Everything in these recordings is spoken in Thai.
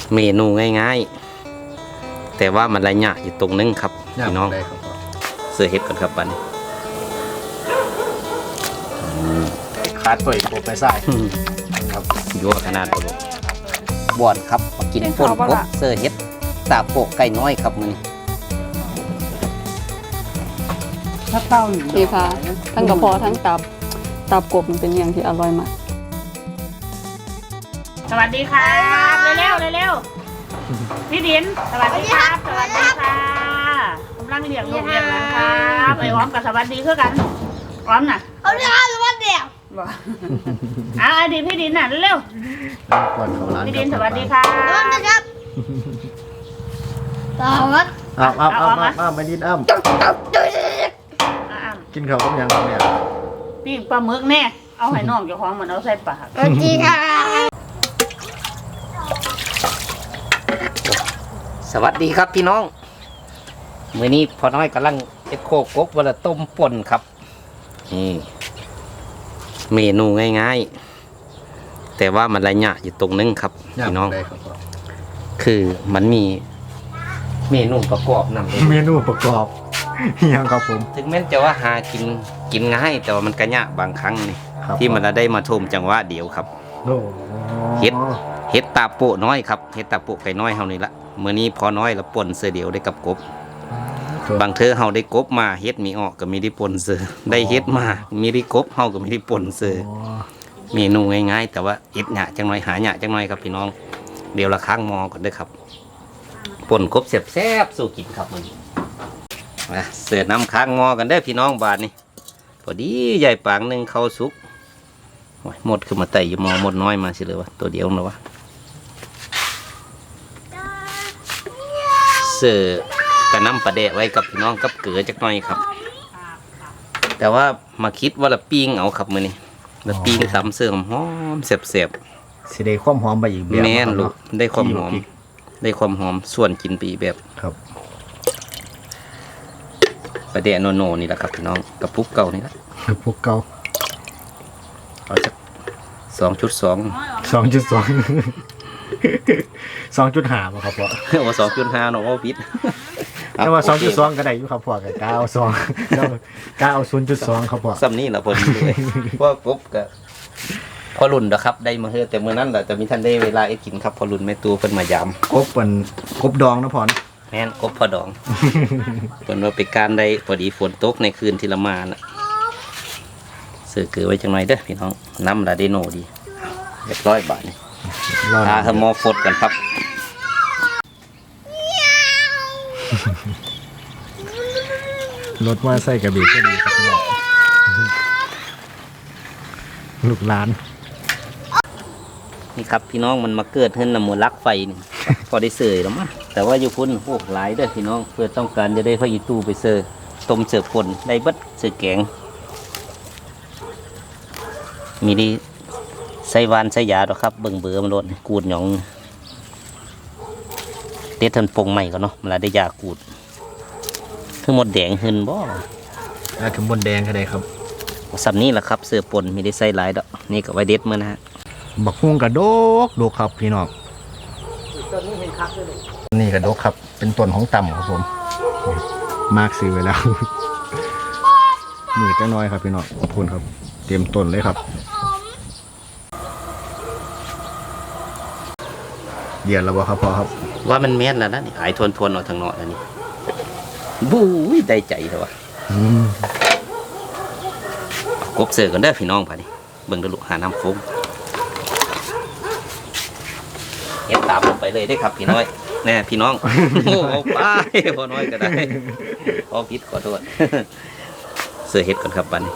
เมนูง่ายๆแต่ว่ามันระยะอยู่ตรงนึงครับพี่น้องเสือเห็ดก่อนครับบันขาดตัวอีกไปใส่ครับยั่วขนาดบอนครับมากินป่นกบเสือเห็ดตาโปกไก่น้อยครับมือถ้าเต้าดีค่ะทั้งกระเพาะทั้งตับกบมันเป็นอย่างที่อร่อยมากสวัสดีครับเร็วพี่ดินสวัสดีครับสวัสดีค่ะกำลังเลี้ยงลูกเลี้ยงหลานครับไอ้อ้อมกับสวัสดีคือกันอ้อมน่ะเอาเรื่องสวัสดีบอกอดีพี่ดินน่ะเร็วพี่ดินสวัสดีค่ะสวัสดีครับสวัสดีอ้ำไม่ดินอ้ำกินข้าวกับยังเนี่ยปิ้งปลาหมึกแน่เอาให้น้องเจ้าของเหมือนเอาใส่ปากสวัสดีค่ะสวัสดีครับพี่น้องมื้อนี้พอน้อยกำลังเอ็ดโคกกวันละต้มป่นครับนี่เมนูง่ายๆแต่ว่ามันระยะอยู่ตรงนึงครับพี่น้องคือมันมีเมนูประกอบนำเมนูประกอบยังครับผมถึงแม้จะว่าหากินง่ายแต่ว่ามันกระยะบางครั้งนี่ที่มันได้มาชมจังหวะเดียวครับเฮ็ดตาโปะน้อยครับเฮ็ดตาโปะไก่น้อยเฮานี่ละมื้อนี้พอน้อยละป่นเสือเดียวได้กับกบบางเธอเฮาได้กบมาเฮ็ดมีออกก็มีได้ป่นเสือได้เฮ็ดมามีได้กบเฮาก็มีได้ป่นเสือเมนูง่ายๆแต่ว่าอิดหยะจังหน่อยหาหยะจังหน่อยครับพี่น้องเดี๋ยวละค้างมอก่อนเด้อครับป่นกบแซ่บๆสู้กินครับมื้อนี้เสือน้ำค้างมอกันได้พี่น้องบาทนี่พอดีใหญ่ปางหนึ่งเข้าสุกหมดคือมาไต่อยู่มอหมดน้อยมาสิเลยวะตัวเดียวนะวะเสือกระน้ำปลาแดะไว้กับพี่น้องกับเกลือจักหน่อยครับแต่ว่ามาคิดว่าละปิ้งเอาครับมือนี่ละปิ้งตำเสื่อมหอมเสียบๆสิได้ความหอมไปอีกแบบแม่นลูกได้ความหอมส่วนกินปีแบบครับปลาแดะโนโนนี่แหละครับพี่น้องกับพุกเก่านี่แหละกับพุกเก่าเอาสัก2.2 2.5ป่ะครับพ่อว่า2.5เนาะว่าพิษแต่ว่า2.2ก็ได้อยู่ครับพ่อกับก้าว0.2ครับพ่อซ้ำนี่แหละพอดีเลยว่ากบกับพอรุ่นนะครับได้มาเฮือแต่เมื่อนั้นแหละจะมีท่านได้เวลาเอ็ดกินครับพอรุ่นแม่ตัวเพิ่นมายามกบเป็นกบดองนะพ่อแม่นกบพอดองเพิ่นว่าไปการได้พอดีฝนตกในคืนที่ละมาน่ะเสือเกลือไว้จังหน่อยเด้อพี่น้องน้ำละเดโนดีเรียบร้อยบาทนี่อาเฮมอฟดกันครับรถว่าใส่กระบี่ก็ดีครับพี่น้องลูกหลานนี่ครับพี่น้องมันมาเกิดขึ้นนำมูลลักไฟนี่พอได้เสยแล้วมั้งแต่ว่าอยู่พุ่นโอ้หลายเด้อพี่น้องเพื่อต้องการจะได้พระยีตู้ไปเสยต้มเสือป่นได้เบิดเสือแกงมีดีใส่วานใส่ยาหรอครับเบิ่งเบื่อมันโดนกูดหยองเตะทันปงใหม่ก็เนาะมันได้ยากูดคือหมดแดงหึนบ่คือหมดแดงก็ได้ครับสับนี้แหละครับเสือป่นมีได้ใส่หลายดอกนี่ก็ไว้เด็ดมือนะฮะบักฮุ่งกระดกครับพี่น้องต้นนี้เป็นคักเลยนี่กระดกครับเป็นต้นของต่ำครับผมมากซื้อไว้แล้วมือจะน้อยครับพี่น้องขอบคุณครับเตรียมต้นเลยครับเดี๋ยวเราบอกครับพ่อครับว่ามันแม่นแล้วนะนี่หายทวนออกทางนอกแล้วนี่บู๊ยได้ใจเถอะวะกบเสือกันได้พี่น้องพอดีเบิ่งดูลูกหาน้ำฟุ้งเห็นตามลงไปเลยได้ครับพี่น้อยแน่พี่น้องโอ้ป้าพอน้อยก็ได้พอพิษขอโทษเสือเห็ดก่อนครับบัน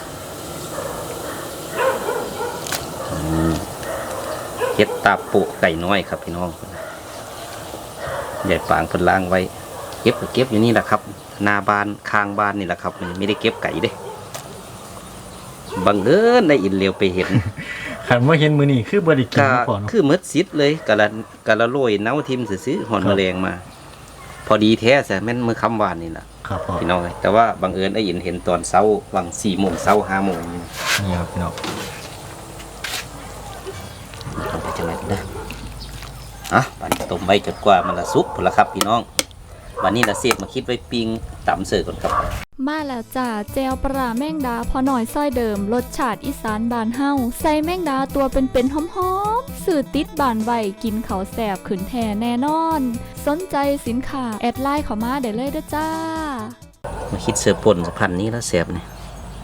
เห็ดตาปูไก่น้อยครับพี่น้องใหญ่ปางพนล้างไว้เก็บอยู่นี่แหละครับนาบานคางบานนี่แหละครับไม่ได้เก็บไก่เด้บังเอิญได้อินเลียวไปเห็นขันว่าเห็นมือนี่คือบริกินก่อนคือมืดซิดเลยกะละโรยเน้าทิมซื้อหอนแมลงมาพอดีแท้แต่แม่นมือคำวานนี่แหละพี่น้องแต่ว่าบังเอิญได้เห็นตอนเช้าวัง4 โมงเช้า5 โมงนี่ครับพี่น้องไปจังไรนะบัดนี้ต้มไว้จนกว่ามันละสุกพุ่นละครับพี่น้องวันนี้ละเสียบมาคิดไว้ปิ้งตำเสิร์ฟก่อนครับมาแล้วจ้าเจลปลาแมงดาพอหน่อยซ้อยเดิมรสชาติอีสานบานเฮาใส่แมงดาตัวเป็นๆหอมๆสื่อติดบานไว้กินเขาวแสบขืนแท่แน่นอน สนใจสินค้าแอดไลน์เข้ามาได้เลยเด้อจ้ามาคิดเสิร์ฟป่นกับพันนี้แล้วเสียบเนี่ย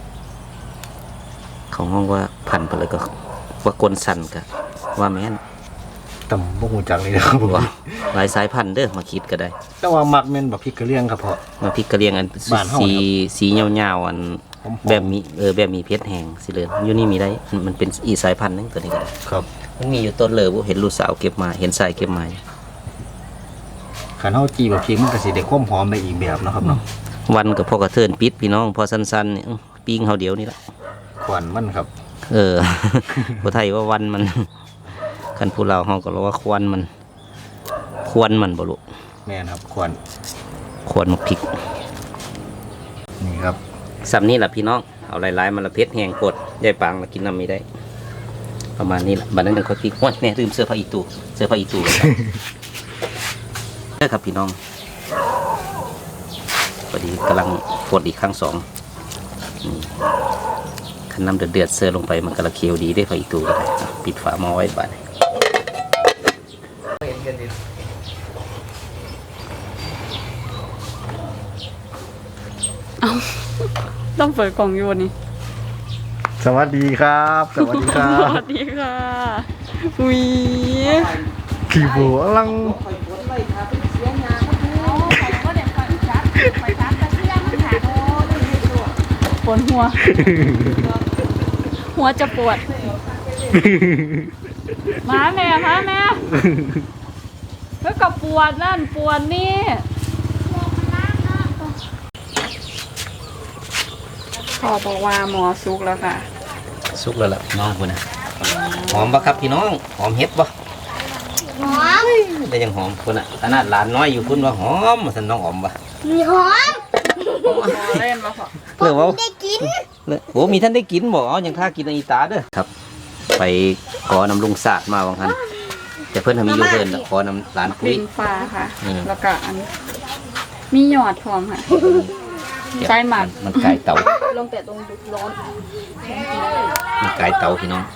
ของห้องว่าพันไปเลยก็ว่ากลสันกับว่าแม่นต่ำบ่หูจักเลยนะครับผมว่าหลายสายพันธุ์เด้อมาคิดก็ได้แต่ว่ามักแม่นบักพริกกระเลียงครับพ่อมาพริกกระเลียงอันบ้านเฮาสีครับสียาวๆอันหอมๆแบบมีแบบมีเพชรแห้งสิเลยอยู่นี่มีได้มันเป็นอีสายพันธุ์นึงตัวนี้ก็ได้ครับมันมีอยู่ต้นเลยบ่เห็นลูกสาวเก็บมาเห็นสายเก็บมาขันเฮาจีบักพริกมันก็สิได้ความหอมไปอีกแบบเนาะครับเนาะวันกับพ่อกระเทินปิดพี่น้องพอสั้นๆเนี่ยปิ้งเฮาเดียวนี่ละควันมันครับบ่ไทยว่าวันมันคันผู้ลาวเฮาก็เรียกว่าควันมันควรมันบ่ลูกแม่นครับควันควรมักพริกนี่ครับสำนี้ล่ะพี่น้องเอาหลายๆมันละเผ็ดแห้งกดยายปางละกินน้ำไม่ได้ ประมาณนี้ล่ะบัดนั้นจังค่อยพริกโอ้ยแน่ลืมเสื้อผ้าอีตูเสื้อผ้าอีตูเด้อครับพี่น้องพอดีกำลังกดอีกครั้งสองคันน้ำเดือดๆเสื้อลงไปมันกำลังเคี้ยวดีได้ผ้าอีตูก็ได้ปิดฝาหม้อไว้บัดนี้ต้องเปิดกล่องอยู่วันนี้สวัสดีครับ สวัสดีครัสบวัสดีค่ะอุ้ยขี่บัวลังปวดหัว หัวจะปวด มาแม่แล้วก็ปวดนั่นปวดนี่พอบอกว่าหมอซุกแล้วค่ะสุกแล้วล่ะพี่น้องคุณนะหอมปะครับพี่น้องหอมเห็ดปะหอมได้ยังหอมคุณอ่ะขนาดหลานน้อยอยู่คุณว่าหอมมาสันน้องหอมปะมีหอมเล่นมาพอเรื่องว่าได้กินโอ้มีท่านได้กินบอกเอาอย่างท่ากินในอีตาเด้อครับ ไปขอนำลุงศาสตร์มาบางคันแต่เพื่อนทำมีโยเกิร์ตขอนำหลานปุ้ลิยงฟ้าค่ะอืมแล้วก็อันมีหยอดพร้อมค่ะ ใช่หมักมันไก่เต่าลงแต่ตรงร้อนมันไก่เต่าพี่น้อง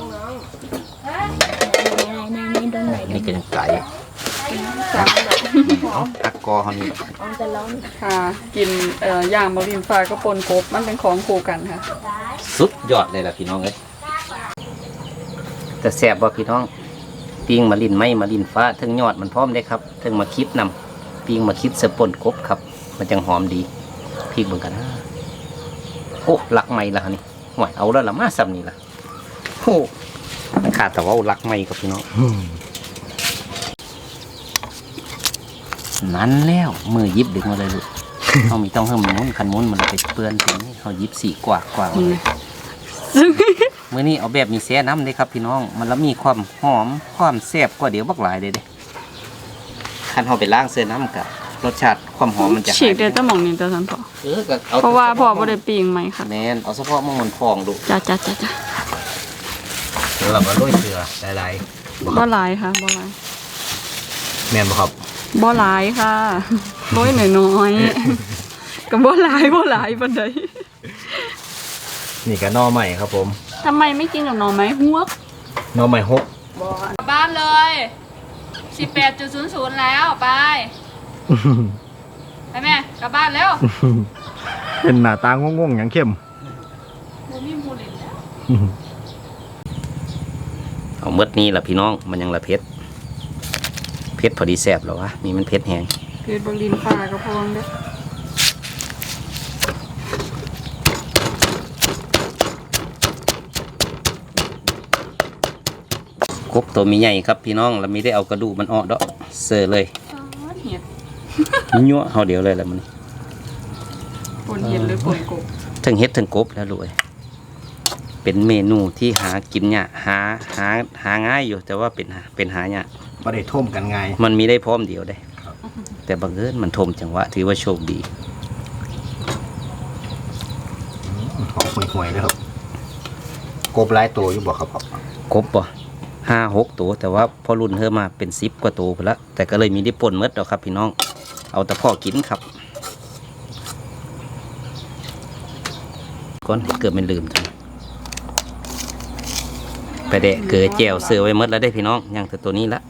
นี่ก็ยังไก่เอาตักกอเขานี่ค่ะ กินย่างมะลินฟ้าก็ปนกบมันเป็นของคู่กันค่ะสุดยอดเลยล่ะพี่น้องเอ้ยแต่แซ่บบ่พี่น้องปิ้งมาลินไม้มาลินฟ้าถึงยอดมันพร้อมได้ครับถึงมาคิดนำปิ้งมาคิดเสปนกบครับ มันจังหอมดีพริกเหมือนกันนะโอ้ลักไม้ละนี่ห่วยเอาแล้วละมาซ้ำนี่ละโอ้มันขาดแต่ว่าเอาลักไม้กับพี่น้องนั้นแล้วมือยิบดึงมาเลยลูก เขามีต้องเพิ่มมุ้นคันมุ้นมันไปเปื้อนตรงนี้เขายิบสีกว่ามาเลยเมื่อนี้เอาแบบมีแซ่น้ำเลยครับพี่น้องมันแล้วมีความหอมความแซ่บกว่าเดี๋ยวบักหลายเลยเด้คันเขาไปล้างเสื้อน้ำกับรสชาติความหอมมันจะฉีกเดี๋ยวจะมองนี่จะสันพอก็เอาเพราะว่าพ่อบ่ได้ปีงไหมค่ะแมนเอาเฉพาะมันพองดูจ้าเดี๋ยวเรามาโรยเกลือหลายบ่หลายค่ะบ่หลายแม่นบ่ครับบ่หลายค่ะร้อยน้อยๆก็บ่หลายปานใดนี่ก็หน่อใหม่ครับผมทำไมไม่กินกับหน่อไม้ฮวกหน่อใหม่ฮกบ้านเลย 18.00 แล้วไปแม่กลับบ้านแล้วเป็นหน้าตางงๆอย่างเข้มบ่มีหมู่เล่นแล้วๆเอาเมื่อนี้ล่ะพี่น้องมันยังละเผ็ดพอดีแซ่บหรอวะนี่มันเผ็ดแห้งเพชรบรินฟ้าก็พองเด้อกบตัวมีใหญ่ครับพี่น้องเราไม่ได้เอากระดูกมันออกดอกเสือเลยเห็ดยั่วเขาเดียวเลยแหละมันปนเห็ดหรือปนกบทั้งเฮ็ดทั้งกบแล้วลูกเอ้ยเป็นเมนูที่หากินยากหาง่ายอยู่แต่ว่าเป็นหายากบ่ได้ท่มกันง่ายมันมีได้พร้อมเดียวได้ แต่บังเอิญมันทมจังหวะถือว่าโชคดีหอมห่วยๆเลยครับกบหลายตัวอยู่บ่ครับพ่อกบป่ะ 5-6 ตัวแต่ว่าพอรุ่นเธอมาเป็น10กว่าตัวไปแล้วแต่ก็เลยมีได้ป่นหมดแล้วครับพี่น้องเอาแต่พ่อกินครับก่อนเกิดมันลืมจังไปเดะเกิดแจวเสือไว้หมดแล้วได้พี่น้องยังแต่ตัวนี้ละ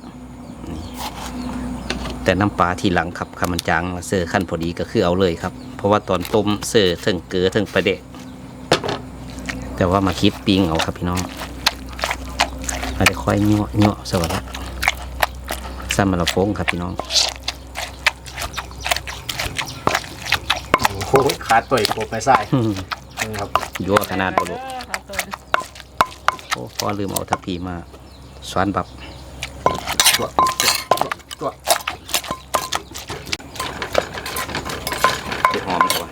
แต่น้ำปลาทีหลังครับคำมันจางเสือขั้นพอดีก็คือเอาเลยครับเพราะว่าตอนต้มเสือถึงเกลือถึงไปเดะแต่ว่ามาคิดปิ้งเอาครับพี่น้องมาได้ค่อยเนาะสวัสดีซ้ำมาละโฟงครับพี่น้องโอ้โหขาดตัวอีกโคไปใส่ครับยั่วขนาดบลุโอ้พอลืมเอาทัพพีมาสวนบับตัวหอมกว่า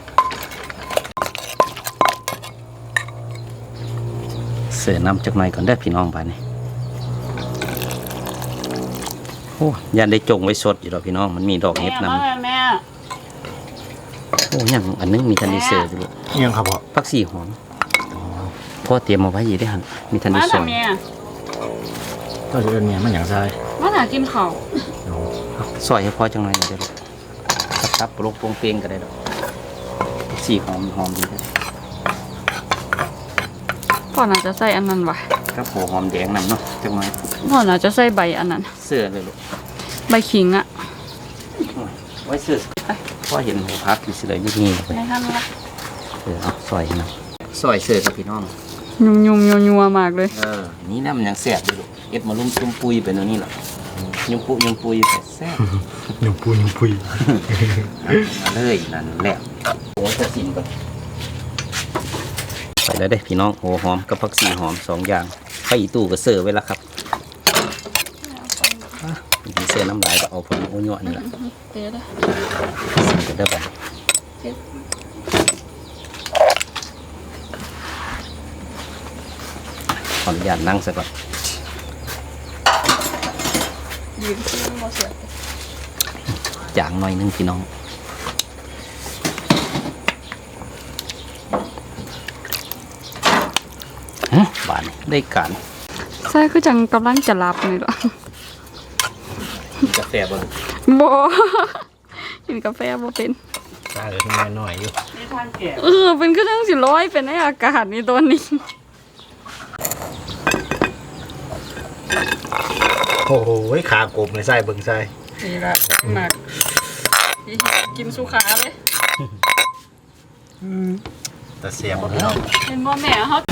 เสือน้ำจากหน่อยก่อนได้พี่น้องไปนี่โอ้ยันได้จงไว้สดอยู่หรอพี่น้องมันมีดอกเห็ดนำแม่โอ้ยังอันนึงมีทันได้เสืออยู่ลูกยังครับพ่อผักชีหอมพ่อเตรียมมาไว้อยู่ได้หันมีทันได้มาสทำวยเมียก็จะเป็นเนี่ยมันอย่างไรมาหากินข้าวซอยให้พ่อจังหน่อยหน่อยเดี๋ยวลูกตับโปร่งโปร่งเปรียงก็ได้ดอกผักชีหอมดีเลยพ่อน่าจะใส่อันนั้นว่ะครับหัวหอมแดงนำเนาะจังหน่อยพ่อน่าจะใส่ใบอันนั้นเสื้อเลยลูกใบขิงอะไว้เสื้อพ่อเห็นหัวพักอยู่เสื้ออยู่นี่เลยในท่านละเอาซอยให้นะซอยเสื้อกับพี่น้องยุ่มยัวมากเลยนี่น้ำมันยังแซ่บอยู่ลูกเอ็ดมาลุ่มตุ้มปุยไปเนาะนี่แหละยุ่มปุยไปแซ่บหนุ่มปุยมาเลยนั่นแหละโอ้จะสิมก่อนไปแล้วเด้พี่น้องหัวหอมกับผักชีหอม2อย่างไปอีตู้ก็เสิร์ฟไว้แล้วครับมีเสื้อน้ำลายก็เอาพอดีโอ้ยนี่แหละเดี๋ยวสิมกันได้ไปขออนุญาตนั่งสักก่อนยืนขึ้นมาเสียจางหน่อยนึงพี่น้องบานได้การใส่คือจังกำลังจะรับนี่หรอกาแฟบนบ่ กินกาแฟบ่เป็นตาเหลือที่น้อยหน่อยอยู่นี่ทานแก่เป็นคือจังสิร้อยเป็นในอากาศนี่ตัวนี้โอ้โหขากบในไส้เบิ่งไส้นี่ละหนักกินสุขาเลยแต่เสียบพี่น้องเห็นว่าแม่เขา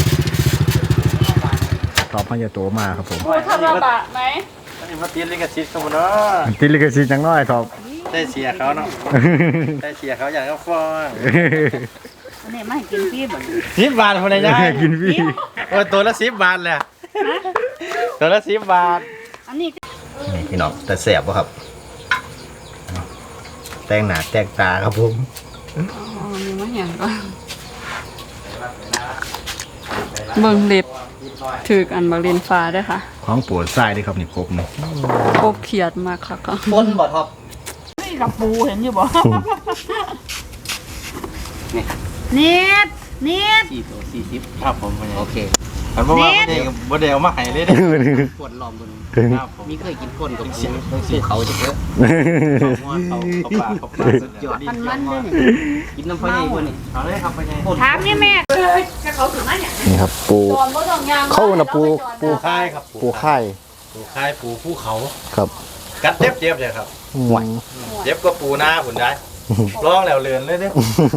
ตอบพญาโตมาครับผมพูดทำระบะไหมนี่มาตีลิขสิทธิ์เขาหมดเนาะติลิกซีจังน้อยครับได้เสียเขาเนาะ ได้เสียเขาอย่างก็ฟ้องอันนี้ไม่กินพี่บ่ 10 บาทคนไหนได้กินพี่โอ้ยตัวละ10 บาทแหละตัวละ10 บาทอันนี้นี่พี่น้องแต่แสบป่ะครับแต่งหน้าแต่งตาครับผมอ๋อมีมาเห็นก่อนเบิ่งเล็บถืออันบักเลนฟ้าด้วยค่ะของปวดไส้ด้วยครับนี่กบนี่โคกเขียดมากค่ะก็ปนบ่ท็อปนี่กับปูเห็นอยู่บ่นิด 4 ตัว40 ครับผมโอเคคันบ่ว่าบ่ได้เอามาให้เลยเด้ปวดลอมบนครับผมมีเคยกินปนกับปูเขาจะเยอะเขาปลาสุดยอดมันด้วยนี่กินน้ำพะไยบ่นี่เอาเลยครับไปไงถามนี่แม่จะเขาถึงมาเนี่ยนี่ครับปูตอนบ่ต้องยางเข้านะปูปูค่ายครับปูไข่ปูค่ายปูภูเขาครับกัดเจ็บเลยครับไหวเจ็บก็ปูหน้าผุนได้ร้องแล้วเลือนเลยเด้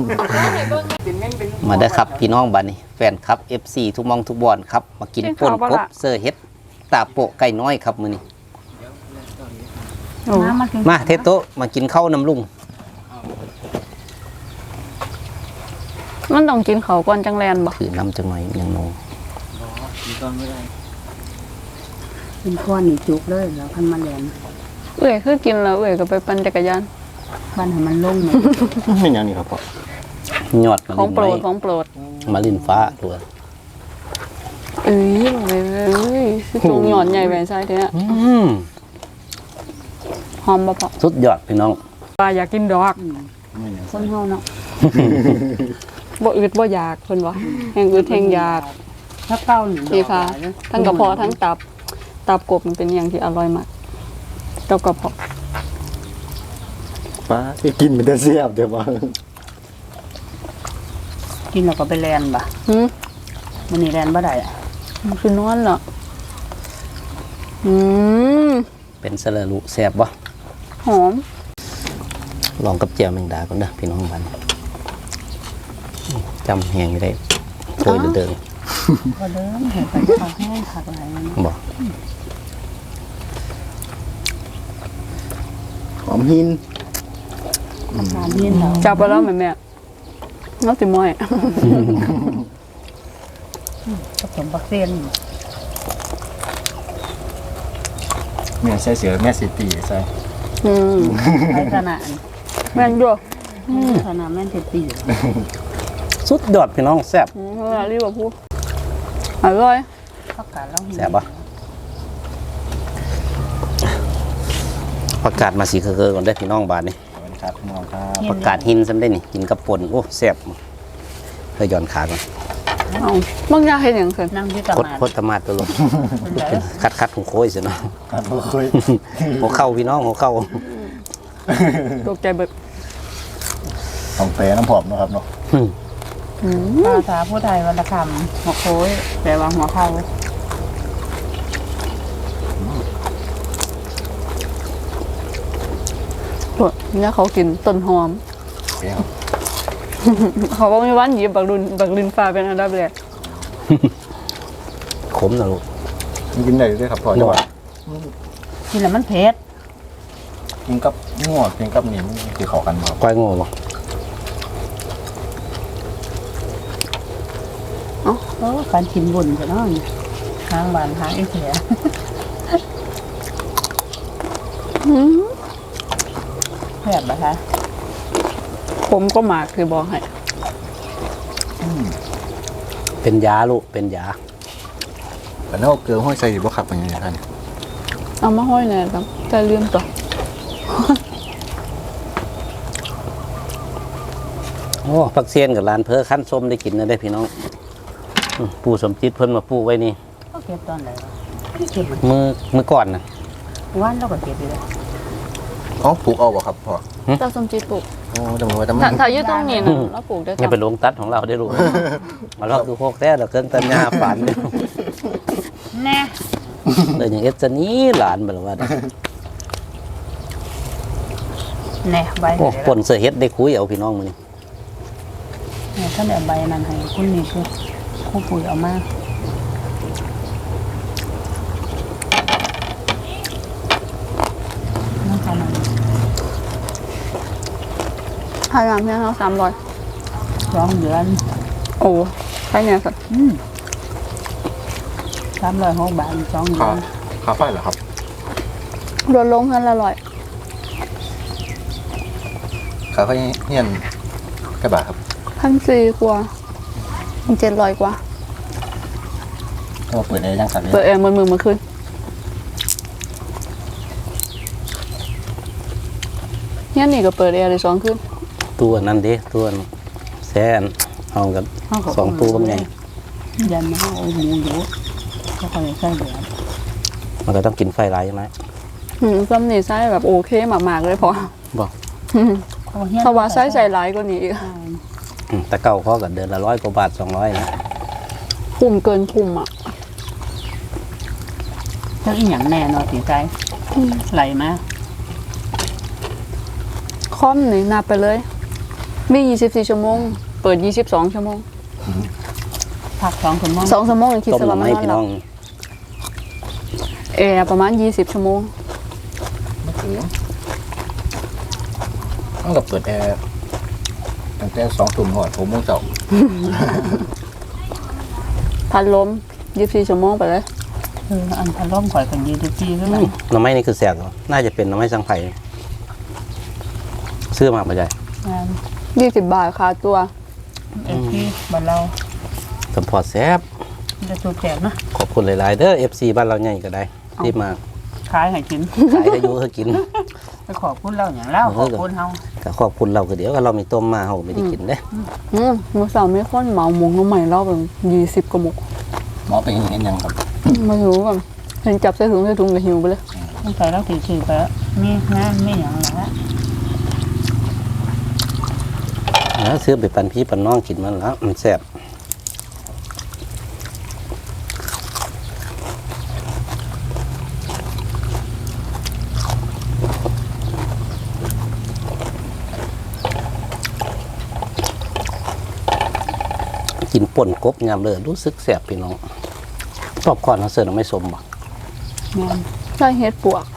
มาได้อครับพี่น้องบ้านนี้แฟนครับ FC ทุกมองทุกบอนครับมากินป่นกบเสื้อเฮ็ดตาโปะไก่น้อยครับมื้อนี้โอ้มาเทโตะมากินข้าวน้ำลุงมันต้องกินเขาวก่อนจังแลนบ่ถือน้ำจังหน่อยยังโนกินข้อนี่จุกเลยแล้วพันมาแลนคือกินแล้วก็ไปปั่นจักรยานพันให้มันลงเลยไม่อย่างนี้ครับพ่อยอดมาของโปรลิ้ดนของโปรดมาลิ้นฟ้าตัวเอ้ยคือตรงหย่อนใหญ่แหวนซ้ายเท่า หอมบ่พอสุดยอดพี่น้องปลาอยากกินดอกคนเฮาเนาะ บ่อึดบ่อยากเพิ่นว่าแห่งอึดแห่งอยากถ้าเก้าหนึ่งสีฟ้าทั้งกระเพาะทั้งตับตับกบมันเป็นอย่างที่อร่อยมากกับกระเพาะป้าที่กินมันจะเสียบเดี๋ยวว่ากินแล้วก็ไปแลนบ่ะหืมมันนี่แลนบ่ได้อะมันคือนอนเหรออืมเป็นสละลุแซ่บบ่หอมลองกับเจียวแมงดาก่อนเด้อพี่น้องบ้านจำแหงไม่ได้โอยเดินก็เดิมเห็นไปเขาแห้งผักอะไรนั่นๆบ่หอมหินทานเย็นแล้วจับไปแล้วแม่แม่น้องติมอยผสมปักเซียนแม่ใส่เสือแม่สิตีใส่อืมไอ้ขนาดแม่นด้วยขนาดแม่นเท็ดตีสุดยอดพี่น้องแซ่บเวลารีบว่าพูดอร่อยผักกาดแล้วแซ่บบ่ประกาศมาสีเคอๆก่อนได้อพี่น้องบ้านนี่สวัสดีครับพี่น้องครับประกาศหินซ้ำได้นี่กินกับป่นโอ้แซ่บเพื่อย้อนขาก่อนเอาบางอย่างเห็นอย่างเกินนั่งที่ตกดลาดโคตรมาตัวลงคัดๆของโค้ยสิเนาะครับบ่เคยหัวเข้าพี่น้องหัวเข้าตกใจเบิดของแปรน้ำผอมเนาะครับเนาะภาษาผู้ไทยวรรณคำหัวโค้ยแปลว่าหัวเข้าเนี่ยเขากินต้นหอมแปรครับเขาบอกมีวันหยิบบักลินฟ้าเป็นอันดับแรกขมนะลูกมันกินได้ด้วยครับพอจังหวะกินแล้วมันเผ็ดกินกับงัวกินกับนี่มันคือเข้ากันบ่ครับก้อยโง่บ่การกินบุญจะน้อยทางบ้านทางไอ้เสียแซ่บปะคะผมก็หมากคือบอกให้เป็นยาลูกเป็นยาแต่เนาะเกลือห้อยใส่บ่ครับเป็นยังไงท่านเอามาห้อยแน่ครับแต่ลืมตัวโอ้ผักเซียนกับร้านเพอขั้นส้มได้กินนะได้อพี่น้องปู่สมจิตเพิ่นมาปลูกไว้นี่ก็เก็บตอนไหนวะเก็บมือก่อนนะวันเราก็เก็บอยู่เลยอ๋อปลูกเอาบ่ครับพ่อตาสมจิตปลูกโอ้จำไว้แต่มัถ้าน อยู่ตรงนี้นะแล้วปลูกได้นี่จ้ะเป็นโรงตัดของเราได้อลูกมาลอกดูโคกแท้เราเครื่องตัดหญ้าฝันแน่เลยอย่างเอสนี้หลานแบบว่าแน่ใบโอ้ปนเสือเฮ็ดได้คุยเอาพี่น้องมื้อนี้เนี่ยถ้าเดี๋ยวใบนั้นให้คุณนี่คือคู่ปุ๋ยเอามาน้ำตาลมันพายามเพียงเขา300 2 เดือนโอ้ใช่เนี่ยสัตว์ 306 บาท2 เดืค่าอนค่าไฟเหรอครับลดลงเงินละ100 ค่าไฟเฮียนแค่บาทครับ 1,400 กว่า700 กว่าก็เปิดได้ยังสั่นเลยเปิดแอร์มือมาขึ้นเนี่ยนี่ก็เปิดแอร์เลย2 ขึ้นตัวนั้นเด้ตัวนั้นแซ่นเอากันสองตัวบางไงยันมาเอาหมูอยู่ก็ค่อยใส่เดือนมันก็ต้องกินไฟหลายใช่ไหมซ้ำนี่ไส้แบบโอเคมากๆเลยพอบอกเพราะว่าไส้ใส่หลายกว่านี้อีกแต่เก่าเขาก็เดือนละ100 กว่าบาท200นะคุ้มเกินคุ้มอ่ะเจ้าอีหยังแน่นอนสิใจไหลมาคอมนี่นับไปเลย มี24 ชั่วโมง เปิด22 ชั่วโมงพัก2 ชั่วโมง 2 ชั่วโมงคิดต้มสหลัน่อบ ไม้มันนอนพี่หลัน้บองแอร์ประมาณ20 ชั่วโมงต้องกับเปิดแอร์ตั้งแต่2 ทุ่มหอด6 โมงเช้าพัดลม24 ชั่วโมงไปเลยอันพันร่มข่อยกันยืดจีขึ้นมาหน่อไม้นี่คือแสกเหรอน่าจะเป็นหน่อไม้สังไผ่ซื้อมาป่ะใจงาน 20 บาทค่าตัวเอ็ที่บ้านเราสมพอแซ่บจะสูบแจกนะขอบคุณหลายๆเด้อ FC บ้านเราใหญ่ก็ได้ที่มาขายให้กินขายให้อยูให้กินไปขอบคุณเราอย่างเล่าขอบคุณเฮาก็ขอบคุณเราก็เดี๋ยวก็เรามีต้มมาเราไม่ได้กินเด้มื้อเช้ามีคนเหมาหมงน้ำใหม่รอบเป็น20 กว่าหมกหมอเป็นเห็นยังครับไม่รู้แบบเห็นจับใส่ถุงก็หิวไปเลยต้องใส่แล้วถือไปแล้วมีนะไม่อย่างไรละแล้วซื้อไปปันพี่ปันน้องกินมันแล้วมันแซ่บกินป่นกบยามเลยรู้สึกแสบพี่น้องตอบก่อนเขาเสิร์ฟไม่สมบ่แม่นใส่เฮ็ดปวก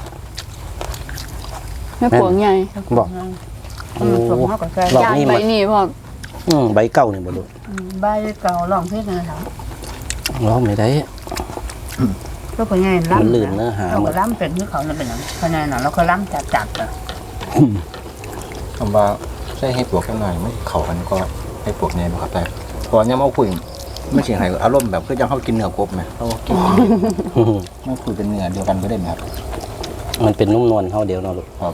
ใหญ่บอกมันสมมากกว่าแกรอบย่างนี้ใบมันนี่พร้อมใบเก่านี่บ่ลูกใบเก่าลองเพชรเลยครับร้องไม่ได้ก็เป็นไงล้ำมันลื่นเนื้อหาเราก็ล้ำเป็นที่เขาเนี่ยเป็นอย่างคะแนนเราก็ล้ำจัดๆอ่ะคำว่าใช้ให้ปวกแค่หน่อยไม่เข้ากันก็ให้ปวกแน่บ่ครับแต่พอเนี่ยมาคุยไม่ใช่ให้อารมณ์แบบคือยังเขากินเนื้อกบไหมเขากินไม่คุยเป็นเนื้อเดียวกันก็ได้ไหมครับมันเป็นนุ่มนวลเท่าเดียวเนาะลูกครับ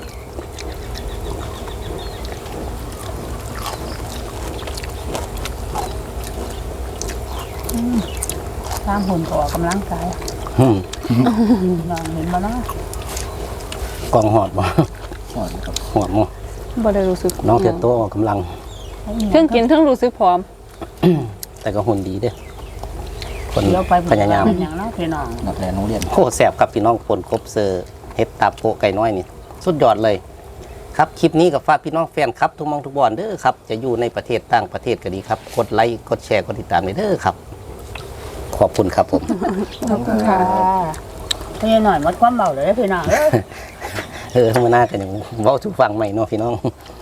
สร้างหุ่นก็ออกกำลังกายอืมนอนเห็นมาเนาะกองหอดบ่ใช่ครับหอดมั้งบ่ได้รู้สึกน้องเต็มโตออกกำลังเทั้งกินเทั้งรู้สึกพร้อมแต่ก็หุ่นดีเด้อคนเดี๋ยวไปพยายามเป็นอย่างเนาะพี่น้องนักเรียนโรงเรียนโคตรแสบครับพี่น้องปนกบเซอร์เฮ็ดตาโปะไก่น้อยนี่ สุดยอดเลย ครับคลิปนี้กับฝากพี่น้องแฟนครับทุกมองทุกบอนเด้อครับ จะอยู่ในประเทศต่างประเทศก็ดีครับ กดไลค์กดแชร์กดติดตามเด้อครับ ขอบคุณครับผมขอบคุณค่ะพี่หน่อยมัดความเบาเลยพี่น้องเออธรรมนากันอย่างเว้าทุกฟังใหม่เนาะพี่น้องค